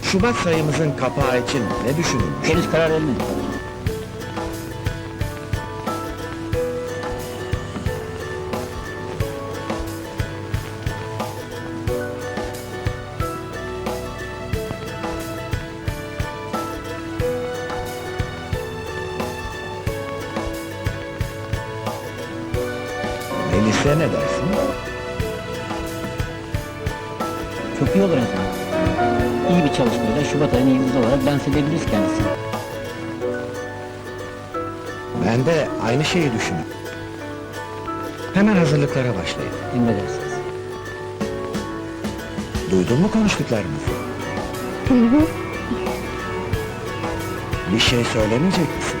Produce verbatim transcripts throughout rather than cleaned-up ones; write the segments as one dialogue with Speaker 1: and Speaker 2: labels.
Speaker 1: Şubat sayımızın kapağı için ne düşünülmüş?
Speaker 2: Henüz karar vermedik.
Speaker 1: Melis'e ne dersin?
Speaker 2: Çok iyi olur efendim. İyi bir çalışmayla Şubat ayının yıldızı olarak dans edebiliriz kendisini.
Speaker 1: Ben de aynı şeyi düşünüyorum. Hemen hazırlıklara başlayın.
Speaker 2: Emredersiniz.
Speaker 1: Duydun mu konuştuklarımızı?
Speaker 3: Hı hı.
Speaker 1: Bir şey söylemeyecek misin?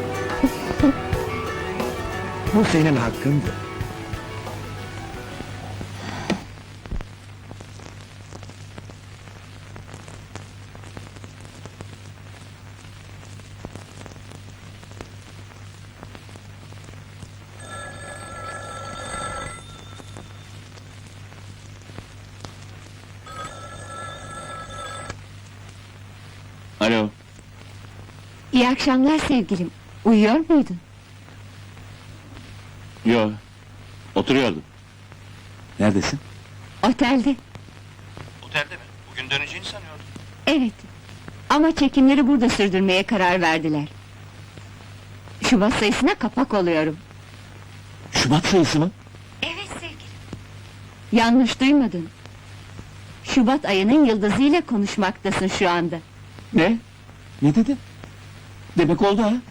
Speaker 1: Bu senin hakkındı.
Speaker 4: Alo,
Speaker 3: İyi akşamlar sevgilim. Uyuyor muydun?
Speaker 4: yo, oturuyordum. Neredesin?
Speaker 3: Otelde.
Speaker 4: Otelde mi? Bugün döneceğini sanıyordum.
Speaker 3: Evet. Ama çekimleri burada sürdürmeye karar verdiler. Şubat sayısına kapak oluyorum.
Speaker 4: Şubat sayısı mı?
Speaker 3: Evet sevgilim. Yanlış duymadın. Şubat ayının yıldızıyla konuşmaktasın şu anda.
Speaker 4: Ne? Ne dedin? Demek oldu ha?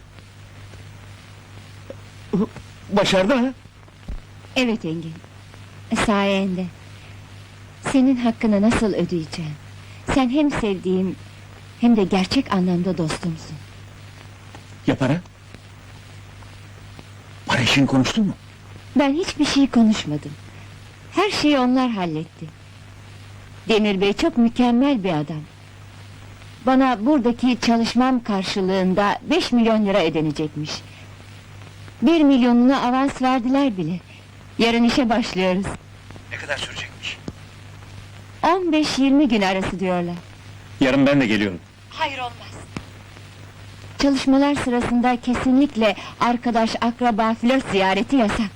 Speaker 4: Başardı ha?
Speaker 3: Evet Engin. Sayende. Senin hakkını nasıl ödeyeceğim? Sen hem sevdiğim hem de gerçek anlamda dostumsun.
Speaker 4: Ya para? Para işini konuştun mu?
Speaker 3: Ben hiçbir şey konuşmadım. Her şeyi onlar halletti. Demir Bey çok mükemmel bir adam. Bana buradaki çalışmam karşılığında beş milyon lira ödenecekmiş. Bir milyonunu avans verdiler bile. Yarın işe başlıyoruz.
Speaker 4: Ne kadar sürecekmiş?
Speaker 3: on beş yirmi gün arası diyorlar.
Speaker 4: Yarın ben de geliyorum.
Speaker 3: Hayır olmaz. Çalışmalar sırasında kesinlikle arkadaş, akraba, flört ziyareti yasak.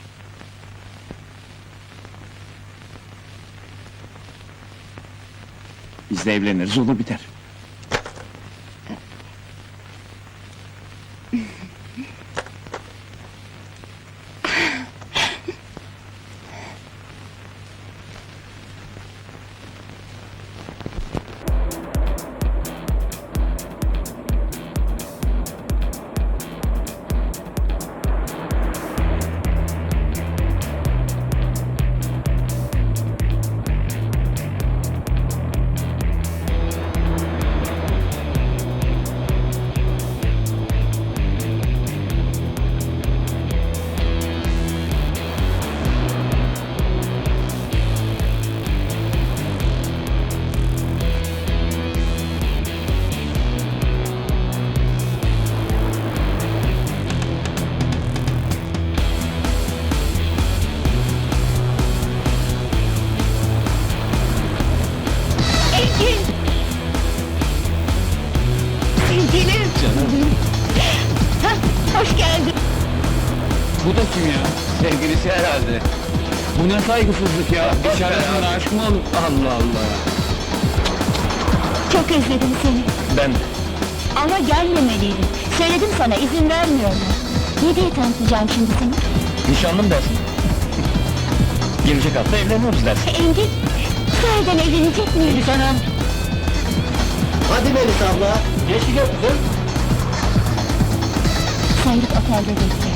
Speaker 4: Biz de evleniriz, olur biter.
Speaker 3: Engin! Sevgilim!
Speaker 4: Canım.
Speaker 3: Hah, hoş geldin!
Speaker 4: Bu da kim ya? Sevgilisi herhalde. Bu ne saygısızlık ya? Bir çaresine aşk mı olur? Allah Allah!
Speaker 3: Çok özledim seni.
Speaker 4: Ben
Speaker 3: Ama gelmemeliydin. Söyledim sana, izin vermiyorlar. Ne diye tanıtacağım şimdi seni?
Speaker 4: nişanlım dersin. Gelecek hafta evleniyoruz dersin.
Speaker 3: Engin, sahiden evlenecek miyiz?
Speaker 4: Melis Hanım! Hadi Melis abla! Geç gidiyor kızım.
Speaker 3: Sen git otelde bekle.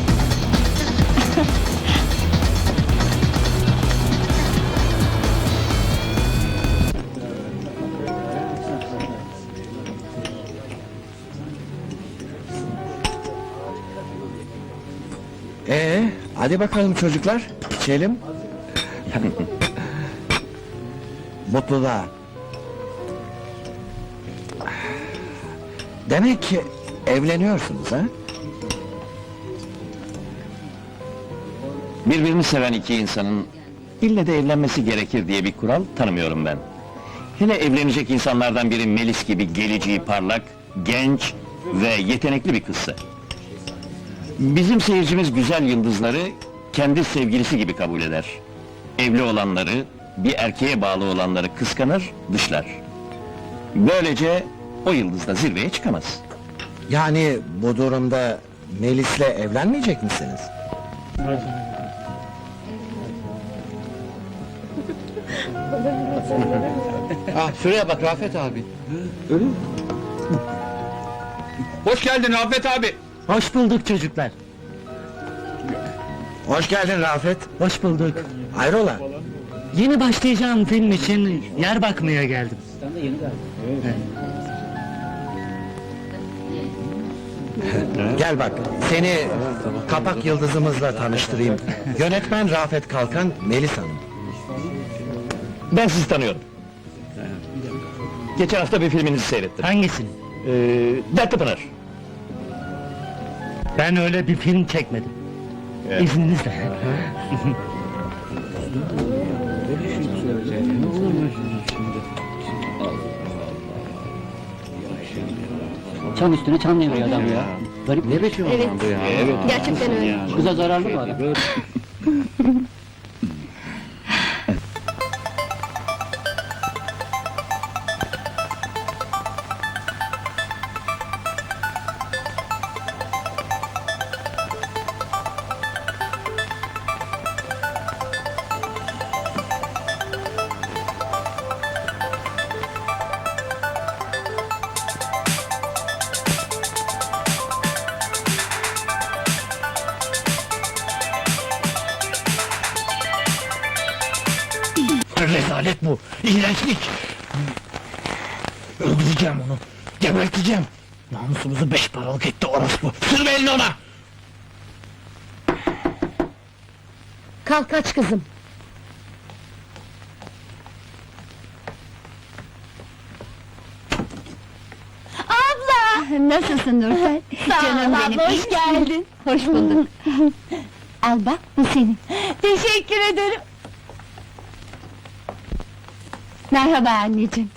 Speaker 1: Ee, hadi bakalım çocuklar, içelim. Mutluluğa. Demek ki evleniyorsunuz ha?
Speaker 4: Birbirini seven iki insanın ille de evlenmesi gerekir diye bir kural tanımıyorum ben.
Speaker 5: Hele evlenecek insanlardan biri Melis gibi geleceği parlak, genç ve yetenekli bir kızsa. Bizim seyircimiz güzel yıldızları kendi sevgilisi gibi kabul eder. Evli olanları, bir erkeğe bağlı olanları kıskanır, dışlar. Böylece o yıldız da zirveye çıkamaz.
Speaker 1: Yani bu durumda Melis'le evlenmeyecek misiniz?
Speaker 4: Ah şuraya bak Rafet abi. Öyle mi? Hoş geldin Rafet abi.
Speaker 2: Hoş bulduk çocuklar.
Speaker 1: Hoş geldin Rafet.
Speaker 2: Hoş bulduk.
Speaker 1: Hayrola?
Speaker 2: Yeni başlayacağım film için yer bakmaya geldim.
Speaker 1: Gel bak, seni kapak yıldızımızla tanıştırayım. Yönetmen Rafet Kalkan, Melis Hanım.
Speaker 5: Ben sizi tanıyorum. Geçen hafta bir filminizi seyrettim.
Speaker 2: Hangisini?
Speaker 5: Ee, Dertli Pınar.
Speaker 2: Ben öyle bir film çekmedim.
Speaker 5: Evet.
Speaker 2: İzninizle. Çam üstüne çam deviriyor adam ya. Garip ne biçim
Speaker 3: Evet,
Speaker 5: Evet.
Speaker 3: gerçekten öyle.
Speaker 2: Kıza zararlı bu adam.
Speaker 1: Rezalet bu, iğrençlik! Öldüreceğim onu, geberteceğim! Namusumuzu beş paralık etti orospu! Sürme elini ona!
Speaker 3: Kalk aç kızım. Abla! Nasılsın Nurten? Canım benim, hoş geldin. Hoş bulduk. Al bak, bu senin. Teşekkür ederim. Merhaba anneciğim.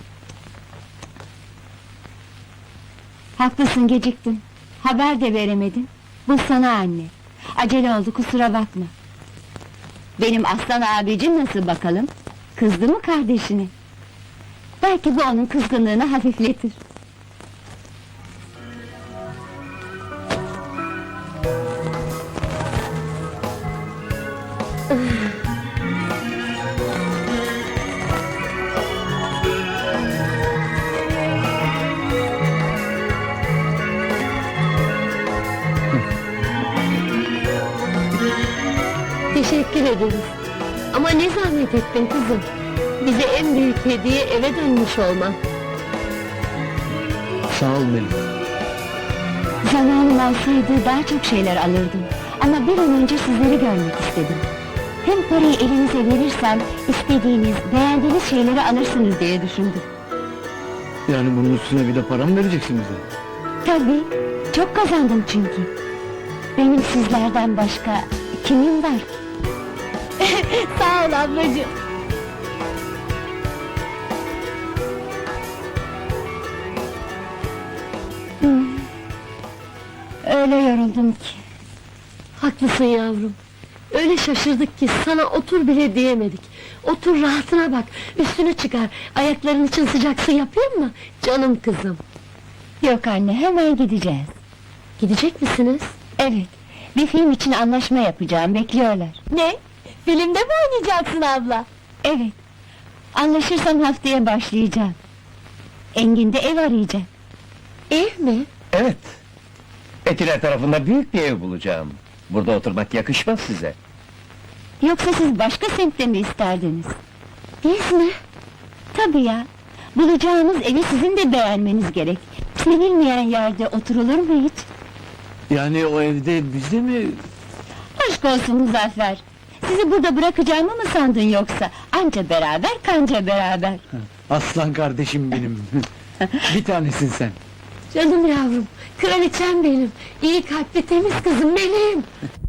Speaker 3: Haklısın, geciktin. Haber de veremedin. Bu sana anne. Acele oldu, kusura bakma. Benim aslan abicim nasıl bakalım? Kızdı mı kardeşine? Belki bu onun kızgınlığını hafifletir. Teşekkür ederiz. Ama ne zahmet ettin kızım? Bize en büyük hediye eve dönmüş olman.
Speaker 2: Sağ ol Melis.
Speaker 3: Zamanım olsaydı daha çok şeyler alırdım. Ama bir an önce sizleri görmek istedim. Hem parayı elinize verirsem, istediğiniz, beğendiğiniz şeyleri alırsınız diye düşündüm.
Speaker 4: Yani bunun üstüne bir de para mı vereceksin bize?
Speaker 3: Tabii, çok kazandım çünkü. Benim sizlerden başka kimim var ki? Sağ ol ablacığım. Hmm. Öyle yoruldum ki.
Speaker 6: Haklısın yavrum. Öyle şaşırdık ki sana otur bile diyemedik. Otur rahatına bak, üstünü çıkar. Ayakların için sıcak su yapayım mı? Canım kızım.
Speaker 3: Yok anne, hemen gideceğiz.
Speaker 6: Gidecek misiniz?
Speaker 3: Evet, bir film için anlaşma yapacağım, bekliyorlar.
Speaker 6: Ne? Filmde mi oynayacaksın abla?
Speaker 3: Evet, anlaşırsam haftaya başlayacağım. Engin'de ev arayacağım.
Speaker 6: Ev mi?
Speaker 5: Evet. Etiler tarafında büyük bir ev bulacağım. Burada oturmak yakışmaz size.
Speaker 3: Yoksa siz başka semtte mi isterdiniz?
Speaker 6: Biz mi?
Speaker 3: Tabii ya, bulacağınız evi sizin de beğenmeniz gerek. Sevilmeyen yerde oturulur mu hiç?
Speaker 4: Yani o evde bizde mi?
Speaker 3: Aşk olsun Muzaffer! Sizi burada bırakacağımı mı sandın yoksa? Anca beraber, kanca beraber!
Speaker 4: Aslan kardeşim benim. Bir tanesin sen.
Speaker 6: Canım yavrum, kraliçem benim. İyi kalpli temiz kızım benim.